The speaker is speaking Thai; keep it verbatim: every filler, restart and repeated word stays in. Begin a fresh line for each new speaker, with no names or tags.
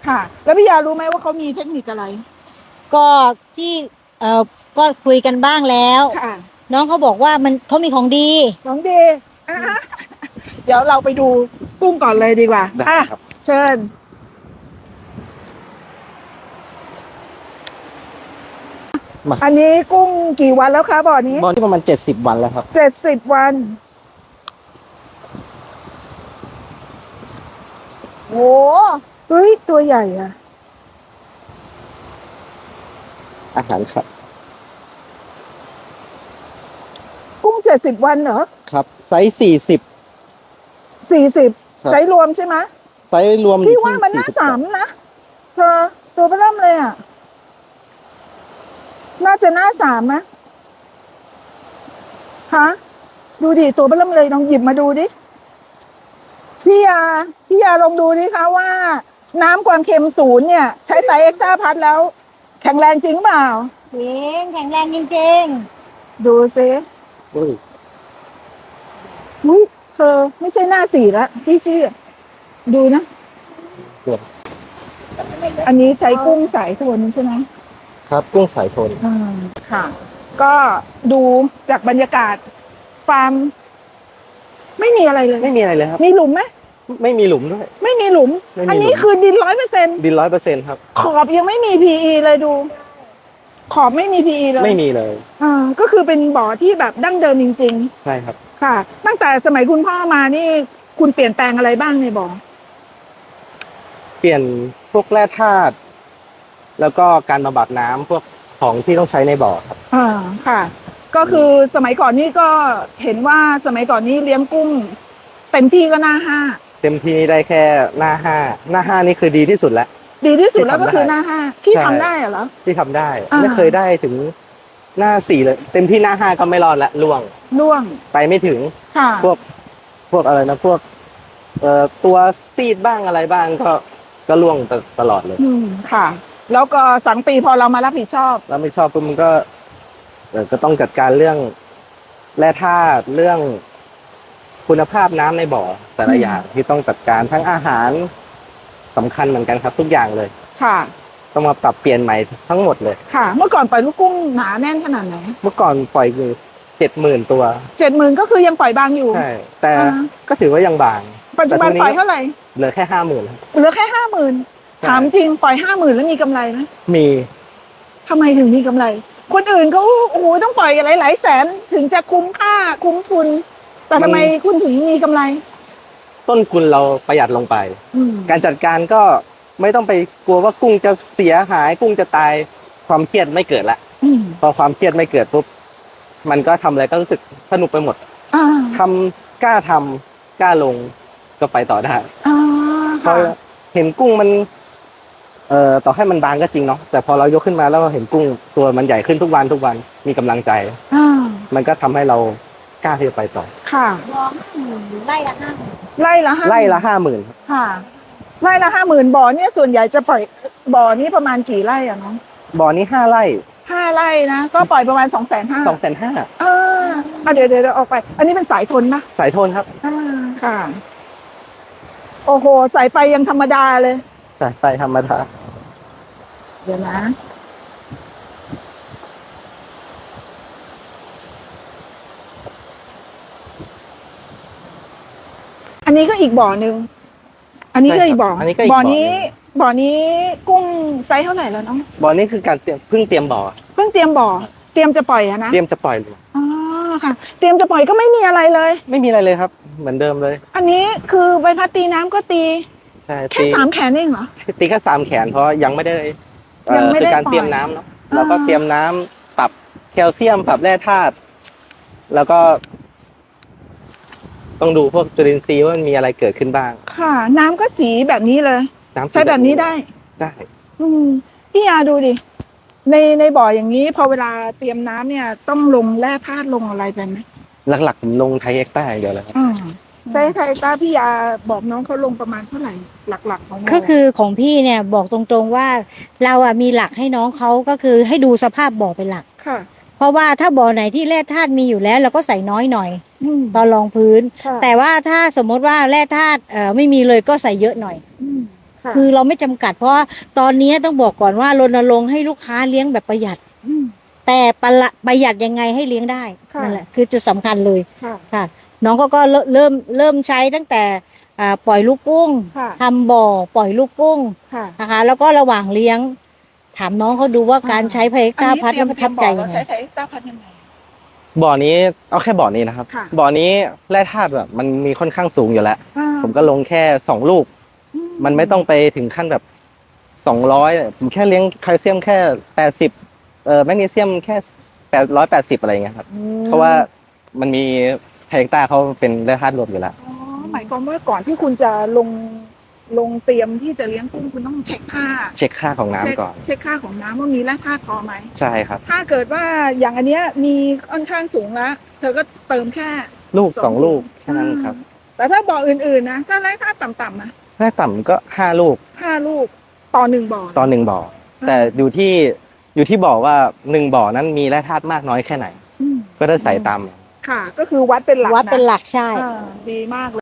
ค่ะ แล้วพี่ยารู้ไหมว่าเขามีเทคนิคอะไร
ก็ที่เอ่อก็คุยกันบ้างแล้ว
ค่ะ
น้องเขาบอกว่ามันเขามีของดี
น้องเดย์อ่ะเดี๋ยวเราไปดูกุ้งก่อนเลยดีกว่า
ได้
อ่ะ
ครับ
เชิญ
มา
อันนี้กุ้งกี่วันแล้วคะบ่อนี้
บอลที่ประมาณเจ็ดสิบวันแล้วครับ
เจ็ดสิบวันโอ้เฮ้ย ตัวใหญ่อะ
อาหารครับ
กุ้งเจ็ดสิบวันเหรอ
ครับไซส์สี่สิบ
สี่สิบ
ครับ
ไซส์รวมใช่ไหม
ไซส์รวม
พี่ว่ามันน่าสามนะเธอตัวเบิ่มเลยอ่ะ น่าจะหน้าสามนะฮะดูดิตัวเบิ่มเลยลองหยิบมาดูดิพี่ยาพี่ยาลองดูดิคะว่า น้ำความเค็มศูนย์เนี่ย ใช้ไตรเอ็กซ่าพัดแล้ว แข็งแรงจริงเปล่า
จริงแข็งแรงจริง
ดูซิ
อุ้ย
อุ้ยเธอไม่ใช่หน้าสี่ละพี่เชื่อดูนะ
เกือบ
อันนี้ใช้กุ้งสายโทนใช่ไหม
ครับกุ้งสายโทน
อ่าค่ะ ก็ดูจากบรรยากาศฟาร์มไม่มีอะไรเลย
ไม่มีอะไรเลยครับ
มีหลุมไหม
ไม่มีหลุมด้วย
ไม่มีหลุม
ไม่มีหลุม
อันนี้คือดินร้อยเปอร์เซ็นต์
ดินร้อยเปอร์เซ็นต์ครับ
ขอบยังไม่มี พี อี เลยดู ขอบไม่มี พี อี เลย
ไม่มีเลย
อ่าก็คือเป็นบ่อที่แบบดั้งเดิมจริง
ใช่ครับ
ๆ ค่ะ ตั้งแต่สมัยคุณพ่อมานี่ คุณเปลี่ยนแปลงอะไรบ้างในบ่อ
เปลี่ยนพวกแร่ธาตุแล้วก็การบำบัดน้ำพวกของที่ต้องใช้ในบ่อครับ
อ่าค่ะ ก็คือสมัยก่อนนี่ก็เห็นว่าสมัยก่อนนี้เลี้ยงกุ้งเต็มที่ก็หน้าห้า
เต็มที่ได้แค่หน้าห้าหน้าห้านี่คือดีที่สุดแล้ว
ดีที่สุดแล้วก็
ที่ทำได้
คือหน้าห้าที่
ใช่
ทำได้เหรอ
ที่ทำได้
อ่า
ไม่เคยได้ถึงหน้าสี่เลย เต็มที่หน้าห้าก็ไม่รอดละล่วง
ล่วง
ไปไม่ถึง
ค่ะ
พวกพวกอะไรนะพวกเอ่อตัวซีดบ้างอะไรบ้างก็ก็ล่วงตตลอดเลย
อืมค่ะ แล้วก็สังปีพอเรามารับผิดชอบ
แล้วไม่ชอบปุ๊บมันก็เอ่อก็ต้องจัดการเรื่องแร่ธาตุเรื่องคุณภาพน้ำในบ่อแต่ละ
อืม
อย่างที่ต้องจัดการทั้งอาหารสำคัญเหมือนกันครับ ทุกอย่างเลย
ค่ะ
ต้องมาปรับเปลี่ยนใหม่ทั้งหมดเลย
ค่ะ เมื่อก่อนปล่อยลูกกุ้งหนาแน่นขนาดไหน
เมื่อก่อนปล่อยคือเจ็ดหมื่นตัว
เจ็ดหมื่นก็คือยังปล่อยบางอยู่
ใช่ แต่
อ่า
ก็ถือว่ายังบาง
ปัจจุบันปล่อยเท่าไหร่
เหลือแค่ห้าหมื่น
เหลือแค่ห้าหมื่น
ใช่
ถามจริงปล่อยห้าหมื่นแล้วมีกำไรไหม
มี
ทำไมถึงมีกำไร คนอื่นเขาโอ้โหต้องปล่อยหลายหลายๆแสนถึงจะคุ้มค่าคุ้มทุน แต่ทำไมคุณถึงมีกำไร
ต้นทุนเราประหยัดลงไป
อืม
การจัดการก็ไม่ต้องไปกลัวว่ากุ้งจะเสียหายกุ้งจะตายความเครียดไม่เกิดละ
อืม
พอความเครียดไม่เกิดปุ๊บมันก็ทำอะไรก็รู้สึกสนุกไปหมด
อ่า
ทำกล้าทำกล้าลงก็ไปต่อได้
อ่า
พอ
ค่ะ
เห็นกุ้งมัน เอ่อต่อให้มันบางก็จริงเนาะแต่พอเรายกขึ้นมาแล้วเราเห็นกุ้งตัวมันใหญ่ขึ้นทุกวันทุกวันมีกำลังใจ
อ่า
มันก็ทำให้เรากล้าที่จะไปต่อ
ค่ะ
ๆรอห้าหมื่นไร่ละห้าหมื่น
ไล่ละห้า
ไล่ละห้าหมื่น
ค่ะไล่ละห้าหมื่นบ่อเนี่ยส่วนใหญ่จะปล่อยบ่อนี้ประมาณกี่ไร่อะน้อง
บ่อนี้ห้าไร่
ห้าไร่นะก็ปล่อยประมาณสองแสนห้า
สองแสนห้า
อ่าอ่ะเดี๋ยวเดี๋ยวเดี๋ยวออกไป อันนี้เป็นสายทนปะ
สายโทนครับ
อ่าค่ะ โอ้โหสายไฟยังธรรมดาเลย
สายไฟธรรมดา
เดี๋ยวนะ อันนี้ก็อีกบ่อหนึ่ง อันนี้ก็อีกบ่อ
ใช่ครับอันนี้ก็อีก
บ่
บ่
อ
อหนึ่ง
นี้ บ่อนี้กุ้งไซส์เท่าไหร่แล้วน้อง
บ่อนี้คือการเตรียมเพิ่งเตรียมบ่อ
เพิ่งเตรียมบ่อ เตรียมจะปล่อยอะนะ
เตรียมจะปล่อยเลย
อ๋อค่ะ เตรียมจะปล่อยก็ไม่มีอะไรเลย
ไม่มีอะไรเลยครับ เหมือนเดิมเลย
อันนี้คือใบพัดตีน้ำก็ตี
ใช่
แค่
ตี
สามแขนเองเหรอ
ตีแค่สามแขนเพราะยังไม่ได้เอ่อ
ยังไม่ได้
คือการ
ปล่อย
เตรียมน้ำเนาะ
อ่า
เราก็เตรียมน้ำปรับแคลเซียมปรับแร่ธาตุแล้วก็ ต้องดูพวกจุลินทรีย์ว่ามันมีอะไรเกิดขึ้นบ้าง
ค่ะ น้ำก็สีแบบนี้เลย
น้ำสี
ใช้แบบนี้ได้
ได้
อืมพี่ยาดูดิ ในในบ่ออย่างนี้ พอเวลาเตรียมน้ำเนี่ย ต้องลงแร่ธาตุลงอะไรไปไหม
หลักๆผมลงไทยเอ็กซ์ต้าอย่างเดียวเลยครับ
อ่าใช้ไทยต้าพี่ยาบอกน้องเขาลงประมาณเท่าไหร่ หลักๆของบ่
ก็คือของพี่เนี่ยบอกตรงๆว่าเราอะมีหลักให้น้องเขาก็คือให้ดูสภาพบ่อเป็นหลัก
ค่ะ
เพราะว่าถ้าบ่อไหนที่แร่ธาตุมีอยู่แล้วเราก็ใส่น้อยหน่อย
อืม
ตอนรองพื้น
ค่ะ
แต่ว่าถ้าสมมติว่าแร่ธาตุเอ่อไม่มีเลยก็ใส่เยอะหน่อย
อืมะ
คือเราไม่จำกัด เพราะว่าตอนนี้ต้องบอกก่อนว่ารณรงค์ให้ลูกค้าเลี้ยงแบบประหยัด
อืม
แต่ประหละประหยัดยังไงให้เลี้ยงได้
ค่ะ
นั่นแหละคือจุดสำคัญเลย
ค่ะ
ค่ะ น้องเขาก็เริ่มเริ่มเริ่มใช้ตั้งแต่อ่าปล่อยลูกกุ้ง
ค่ะ
ทำบ่อปล่อยลูกกุ้ง
ค่ะ
นะคะ แล้วก็ระหว่างเลี้ยง ถามน้องเขาดูว่าการใช้ไพก้าพัดแล้วประทับใจยัง
ใช้
ไง
ไทยเอ็กซ์ต้าพัดยังไง
บ่อนี้เอาแค่บ่อนี้นะครับ
ค่ะ
บ่อนี้แร่ธาตุแบบมันมีค่อนข้างสูงอยู่แล้ว
อ่า
ผมก็ลงแค่สองลูก
อื
มันไม่ต้องไปถึงขั้นแบบสองร้อยผมแค่เลี้ยงแคลเซียมแค่แปดสิบเอ่อแมกนีเซียมแค่แปดร้อยแปดสิบอะไรอย่างเงี้ยครับ
อืม
เพราะว่ามันมีไทเอ็กต้าเขาเป็นแร่ธาตุรวมอยู่แล้ว
อ๋อหมายความว่าก่อนที่คุณจะลงลงเตรียมที่จะเลี้ยงกุ้งคุณต้องเช็คค่า
เช็คค่าของน้ำ
เช็ค
ก่อน
เช็คค่าของน้ำว่ามีแร่ธาตุพอไหม
ใช่ครับ
ถ้าเกิดว่าอย่างอันเนี้ยมีค่อนข้างสูงแล้ว เธอก็เติมแค่
ลูกสองลูกแค่นั้นครับ
แต่ถ้าบ่ออื่นๆนะถ้าแร่ธาตุต่ำๆนะ
แร่ต่ำก็ห้าลูก
ห้าลูกต่อหนึ่งบ่อ
ต่อหนึ่งบ่อ แต่อยู่ที่อยู่ที่บ่อว่าหนึ่งบ่อนั้นมีแร่ธาตุมากน้อยแค่ไหน
อืม
ก็ได้ใส่ตาม
ค่ะ ก็คือวัดเป็นหลัก
วัดเป็น
นะ
หลักใช่
อ่าดีมากเลย